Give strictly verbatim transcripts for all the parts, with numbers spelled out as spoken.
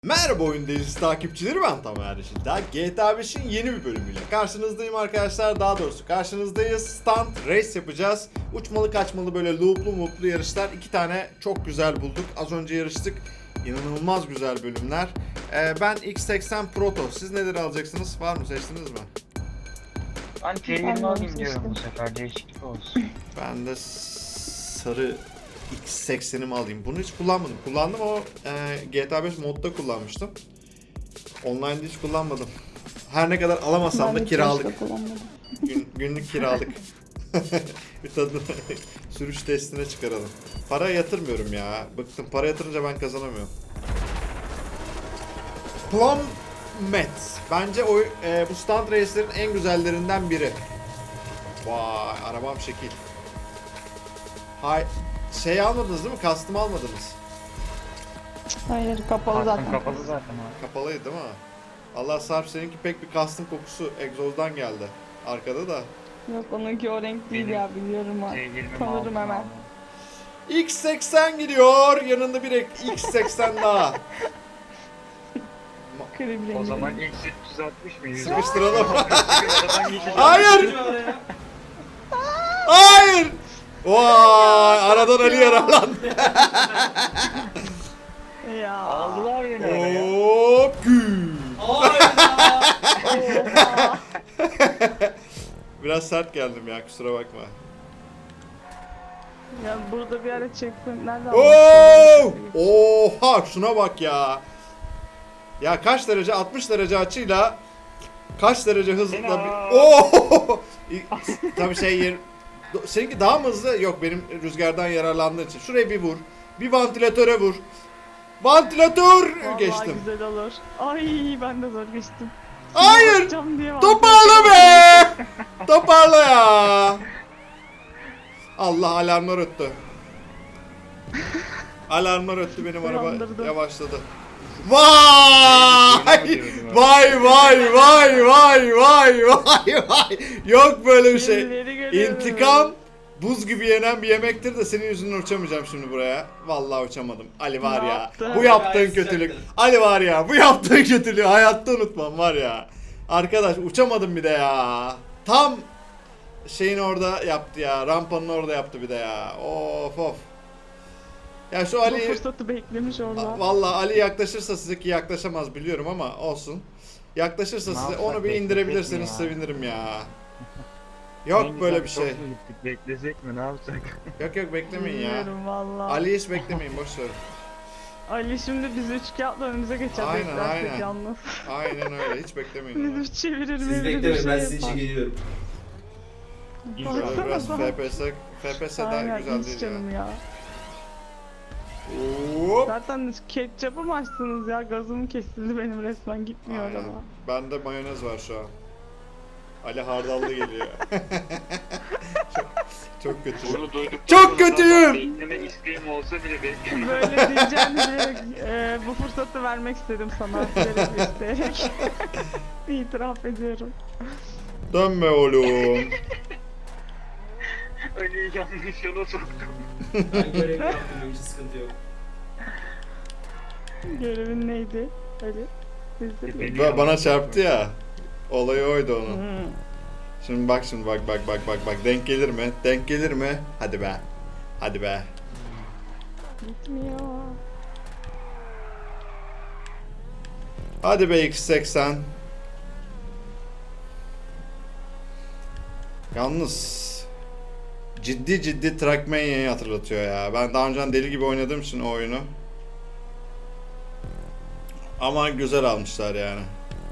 Merhaba Oyun Delisi takipçileri, ben Tamer Yeşildağ. G T A beşin yeni bir bölümüyle karşınızdayım arkadaşlar. Daha doğrusu karşınızdayız. Stunt race yapacağız. Uçmalı kaçmalı böyle looplu mutlu yarışlar. İki tane çok güzel bulduk. Az önce yarıştık. İnanılmaz güzel bölümler. Ee, ben X seksen Proto. Siz neler alacaksınız? Var mı, seçtiniz mi? Ben T yirmi alayım diyorum bu sefer, değişiklik olsun. Ben de sarı X seksenimi alayım. Bunu hiç kullanmadım. Kullandım o e, G T A beş modda kullanmıştım. Online'da hiç kullanmadım. Her ne kadar alamasam da kiralık. Gün, günlük kiralık. Bir tadını sürüş testine çıkaralım. Para yatırmıyorum ya. Bıktım. Para yatırınca ben kazanamıyorum. Plummet. Bence o e, bu stunt race'lerin en güzellerinden biri. Vay, arabam şekil. Hay, şey almadınız değil mi? Custom almadınız. Hayır, kapalı Zaten zaten. kapalı zaten abi. Kapalıydı değil mi? Allah, Sarp seninki pek bir custom kokusu egzozdan geldi. Arkada da. Yok, onunki o renk değil Benim ya, biliyorum T ben. yirmi Tanırım hemen. X seksen gidiyor. Yanında bir X seksen daha. Krem rengi. O zaman X üç yüz altmış mı? Sıkıştıralım. Hayır. Hayır. Hayır. Vay, aradan Ali yaralandı. Ya. Aldılar beni oraya. Hop gül. Biraz sert geldim ya, kusura bakma. Ya burada bir ara checkpoint nerede Oo! Oha, şuna bak ya. Ya kaç derece? altmış derece açıyla kaç derece hızla bir... Oo! Tabii şey yer... Seninki daha mı hızlı? Yok, benim rüzgardan yararlandığım için. Şuraya bir vur. Bir vantilatöre vur. Vantilatör Vallahi geçtim. güzel olur. Ay, ben de zor geçtim. Hayır! Bakacağım diye Toparla be! Toparla ya! Allah, alarmlar öttü. Alarmlar öttü, benim araba Uyandırdı. yavaşladı. Vay! Vay vay vay vay vay vay vay! Yok böyle bir şey. Birileri görüyorum. İntikam buz gibi yenen bir yemektir de senin yüzünden uçamayacağım şimdi buraya. Vallahi uçamadım. Ali var Ne ya. yaptın? Bu yaptığın kötülük. Ali var ya. Bu yaptığın kötülüğü hayatta unutmam var ya. Arkadaş, uçamadım bir de ya. Tam şeyin orada yaptı ya. Rampanın orada yaptı bir de ya. Of of. Ya şu Bu Ali, fırsatı beklemiş orada. vallahi Ali yaklaşırsa size, ki yaklaşamaz biliyorum ama olsun. Yaklaşırsa Ne size yapsak, onu bir indirebilirseniz beklesek mi ya? sevinirim ya. Yok böyle bir şey. Çok mu gittik, beklesek mi, ne yapsak? Yok yok, beklemeyin ya. Bilmiyorum valla. Ali hiç beklemeyin, boş ver. Ali şimdi bizi üç kağıtla önümüze geçer, Aynen, beklersek aynen. yalnız. Aynen öyle, hiç beklemeyin onu. Bizi çevirir mi? Siz bir beklemeyin, ben şey sizin için yapar. geliyorum. Şöyle Baksana biraz bak. F P S, F P S daha Aynen, güzel hiç değil canım ya. ya. Hop. Zaten ketçapı mı açtınız ya? Gazım kesildi benim, resmen gitmiyor Aynen. araba. Bende mayonez var şu an. Ali hardallı geliyor. çok, çok kötü. Bunu duyduktan Çok sonra kötüyüm. zaten bekleme isteğim olsa bile beklemem. Böyle diyeceğini bilerek e, bu fırsatı vermek istedim sana. Bilerek isteyerek. İtiraf ediyorum. Dönme oğlum. Ali'yi yanlış yola soktum. Ben görevimi yaptım, hiç sıkıntı yok. Görevin neydi? Ali. Bizde değil. Ba- bana çarptı ya. Olayı oydu onun. Hmm. Şimdi bak, şimdi bak bak bak bak bak, denk gelir mi? Denk gelir mi? Hadi be. Hadi be. Gitmiyor. Hadi be X seksen. Yalnız ciddi ciddi Trackmania'yı hatırlatıyor ya. Ben daha önceden deli gibi oynadığım için o oyunu. Ama güzel almışlar yani.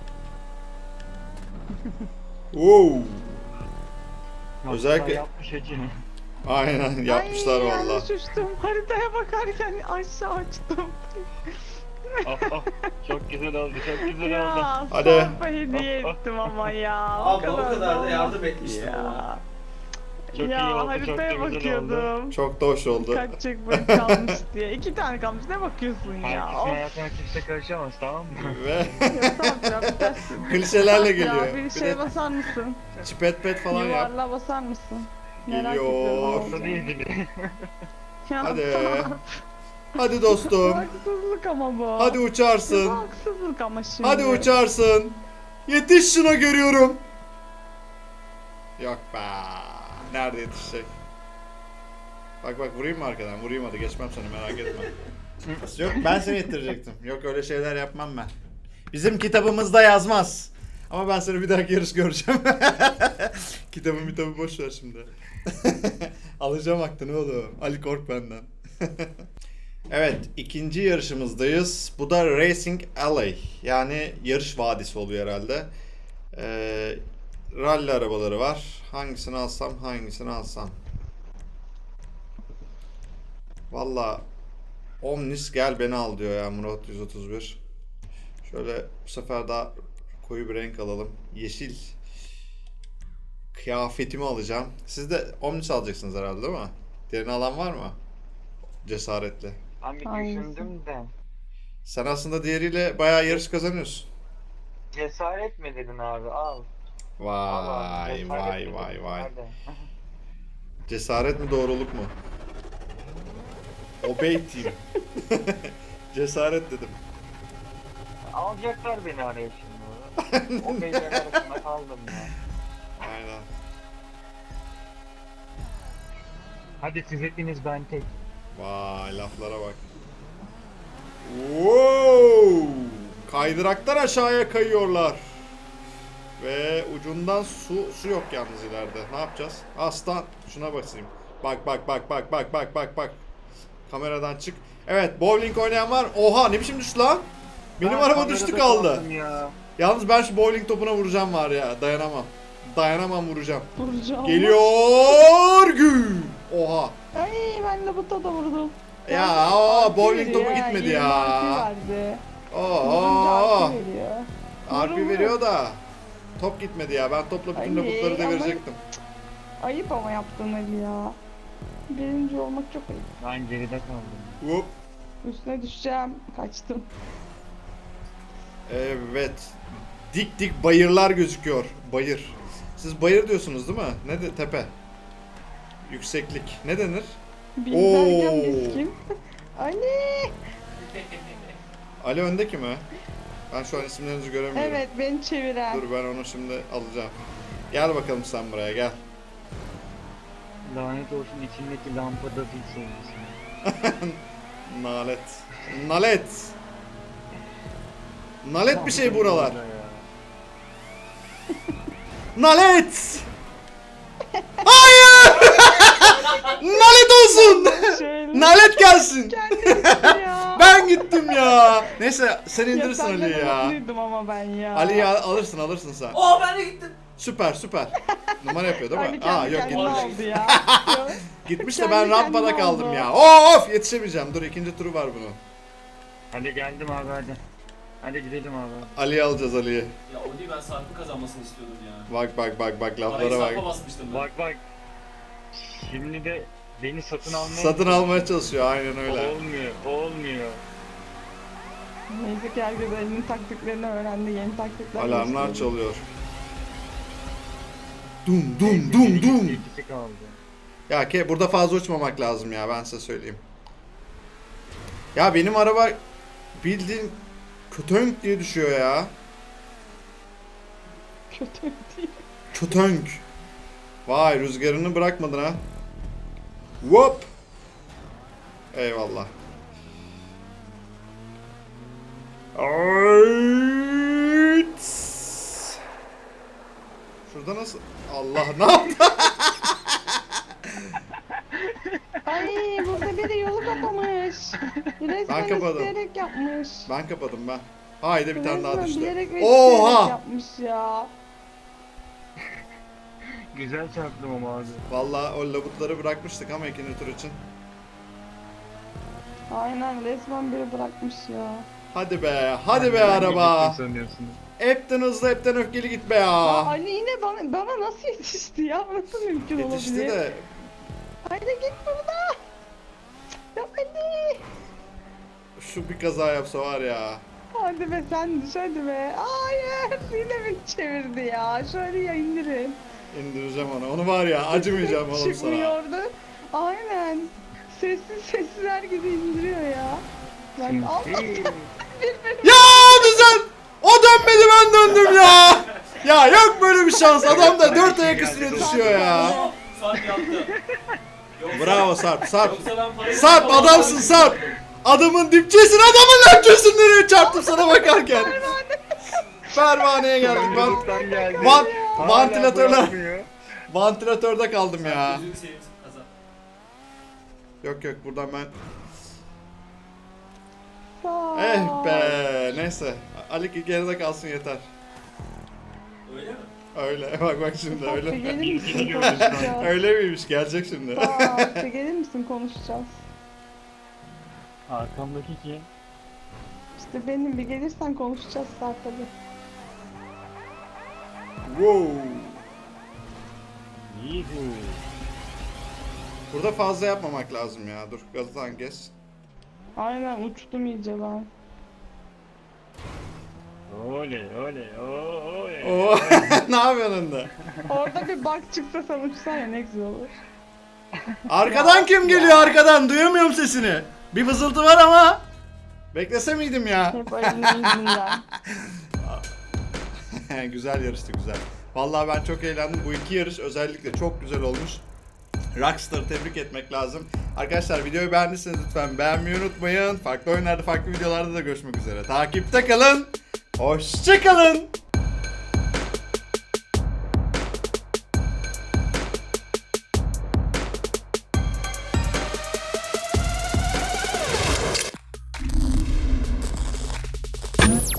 Wow. Özellikle- Yapmış acını. Aynen yapmışlar Ay, valla. yanlış uçtum. Haritaya bakarken aşağı açtım. Oh, oh, çok güzel oldu, çok güzel oldu. Ya Hadi. Sarp'a hediye ettim ama ya. Abla o kadar da olmaz yardım etmiştim ya. ama. Çok ya iyi oldu, çok haritaya da güzel oldu. bakıyordum. Çok da hoş oldu. Kaç checkpoint kalmış diye. İki tane kalmış. Ne bakıyorsun ya? Herkesin Of. hayatına kimse karışamaz, tamam mı? Ve Ya Sarp ya, bir ters. klişelerle Ya geliyor. bir Bir şeye de basar mısın? çipet pet falan yap. Yuvarlığa basar mısın? Merak Geliyor. ediyorum. Orada değil bile. Ya Hadi. Sarp. Hadi dostum. Haksızlık ama bu. Hadi Bu uçarsın. haksızlık ama şimdi. Hadi uçarsın. Yetiş şuna görüyorum. Yok be. Nerede yetişecek? Bak bak vurayım mı arkadan? Vurayım hadi geçmem seni merak etme. Yok ben seni yettirecektim. Yok öyle şeyler yapmam ben. Bizim kitabımızda yazmaz. Ama ben seni bir dahaki yarış göreceğim. Kitabı kitabı boş ver şimdi. Alacağım aklını oğlum. Ali kork benden. Evet, ikinci yarışımızdayız. Bu da Racing Alley. Yani yarış vadisi oluyor herhalde. Ee, rally arabaları var. Hangisini alsam, hangisini alsam. Valla Omnis gel beni al diyor ya Murat yüz otuz bir. Şöyle bu sefer daha koyu bir renk alalım. Yeşil. Kıyafetimi alacağım. Siz de Omnis alacaksınız herhalde değil mi? Diğerini alan var mı? Cesaretli. Ben bir Hangisi? düşündüm de. Sen aslında diğeriyle bayağı yarış kazanıyorsun. Cesaret mi dedin abi? Al. Al abi, Vay cesaret vay mi vay dedin? vay. Hadi. Cesaret mi doğruluk mu? Obey team. Cesaret dedim. Alacaklar beni araya şimdi. O beyler arasında kaldım ya. Aynen. Hadi siz hepiniz ben tek. Vay laflara bak. Wow! Kaydıraktan aşağıya kayıyorlar. Ve ucundan su su yok yalnız ileride. Ne yapacağız? Aslan şuna basayım. Bak bak bak bak bak bak bak bak. Kameradan çık. Evet, bowling oynayan var. Oha ne biçim düştü lan? Benim Ben araba kamerada düştü kaldı. kaldım ya. Yalnız ben şu bowling topuna vuracağım var ya. Dayanamam. Dayanamam vuracağım. Vuracağım. Geliyor güm. Oha. Ay ben de bu da vurdum. Ya Yalnız aa, artı bowling veriyor topu ha, gitmedi yirmi ya. artı verdi. Vurunca Oo. artı veriyor. R P Vurun, veriyor da top gitmedi ya. Ben topla bütün Ay, labutları ama- devirecektim. Ayıp ama yaptın Ali ya. Birinci olmak çok ayıp. Ben geride kaldım. Hop. Üstüne düşeceğim. Kaçtım. Evet. Dik dik bayırlar gözüküyor. Bayır. Siz bayır diyorsunuz değil mi? Ne de tepe? Yükseklik. Ne denir? Biz Oo. derken biz kim? Ali! Ali öndeki mi? Ben şu an isimlerinizi göremiyorum. Evet beni çeviren. Dur ben onu şimdi alacağım. Gel bakalım sen buraya gel. Lanet olsun içindeki lampada bir sevgisi. Nalet. Nalet. Nalet bir şey buralar. Nalet. Hayır. Nalet olsun. Şöyle. Nalet gelsin. Kendisi ya. Ben gittim ya. Neyse sen Ya indirirsin senden Ali'yi ya. umutluydum ama ben ya. Ali'yi al- alırsın alırsın sen. Oo ben de gittim. Süper süper. Numara yapıyor değil mi? Ali Aa kendi yok kendine gitmiş. aldı ya. Yok. Gitmiş de Kendi ben rampada kendine kaldım oldu. ya. Of yetişemeyeceğim. Dur ikinci turu var bunun. Hadi geldim abi hadi. Hadi gidelim abi. Ali'yi alacağız Ali'yi. Ya o değil ben Sarp'ın kazanmasını istiyordum ya. Bak bak bak bak Parayı laflara Sarp'a bak. basmıştım ben. Bak bak. Şimdi de beni satın almaya Satın almaya çalışıyor aynen öyle. Olmuyor, olmuyor. Neyse ki herkes elinin taktiklerini öğrendi. Yeni taktikler Alarmlar geliştirdi. çalıyor. Dum dum dum dum. İkisi kaldı. Ya ke burada fazla uçmamak lazım ya ben size söyleyeyim. Ya benim araba bildiğin kötönk diye düşüyor ya. Kötü değil. Kötönk. Vay rüzgarını bırakmadın ha. Hop. Eyvallah. Ayt. Şurada nasıl? Allah ne yaptı? Ay burada biri yolu kapamış. Resmen kapadım. isteyerek yapmış. Ben kapadım ben. Haydi bir tane daha Resmen düştü. bilerek ve isteyerek Oha! yapmış ya. Güzel çarptım ama abi. Vallahi o labutları bırakmıştık ama ikinci tur için. Aynen resmen biri bırakmış ya. Hadi be, hadi be Ben araba. gittim sanıyorsunuz. Hepten hızlı, hepten öfkeli git be Aa, ya. Ali yine bana, bana nasıl yetişti ya? Nasıl mümkün Yetişti olabilir? de Haydi git burada. Ya Ali. şu bir kaza yapsa var ya. Hadi be sen düş hadi be. Hayır yine beni çevirdi ya. Şöyle ya indirin. İndireceğim onu. Onu var ya acımayacağım oğlum sana. Çıkmıyordu. Aynen. Sessiz sessiz herkesi indiriyor ya. Bak Allah. Sinsi. Ya güzel. O dönmedi ben döndüm ya. Ya yok böyle bir şans. Adam da dört ayak üstüne düşüyor ya. Aa, Sarp yaptı. Yoksa- Bravo Sarp. Sarp. Yoksa ben parayı- Sarp adamsın Sarp. Adamın dipçesin, adamın lökçesin, nereye çarptım sana bakarken. Pervaneye geldik. Van, Sorumluluktan geldi. van, Hala vantilatörler. bırakmıyor. Vantilatörde kaldım ya. Gözünü seveyim kazan. Yok yok buradan ben. Sağ Eh be neyse. Ali geride kalsın yeter. Öyle mi? Öyle bak bak şimdi Sarp, bir öyle. gelir misin Gidiyor. konuşacağız? Öyle miymiş gerçek şimdi. Sarp, bir gelir misin konuşacağız? Arkamdaki kim? İşte benim bir gelirsen konuşacağız Sarp hadi. Wow. Yuhu. Burada fazla yapmamak lazım ya. Dur gazdan geç. Aynen uçtum iyice ben. Oley oley o- oley. Oo ne yapıyorsun önde? Orada bir bak çıksa sen uçsan ya ne güzel olur. Arkadan kim geliyor arkadan? Duyamıyorum sesini. Bir vızıltı var ama. Beklese miydim ya? Hep Ali'nin yüzünden. Güzel yarıştı güzel. Vallahi ben çok eğlendim. Bu iki yarış özellikle çok güzel olmuş. Rockstar'ı tebrik etmek lazım. Arkadaşlar videoyu beğendiyseniz lütfen beğenmeyi unutmayın. Farklı oyunlarda, farklı videolarda da görüşmek üzere. Takipte kalın. Hoşça kalın.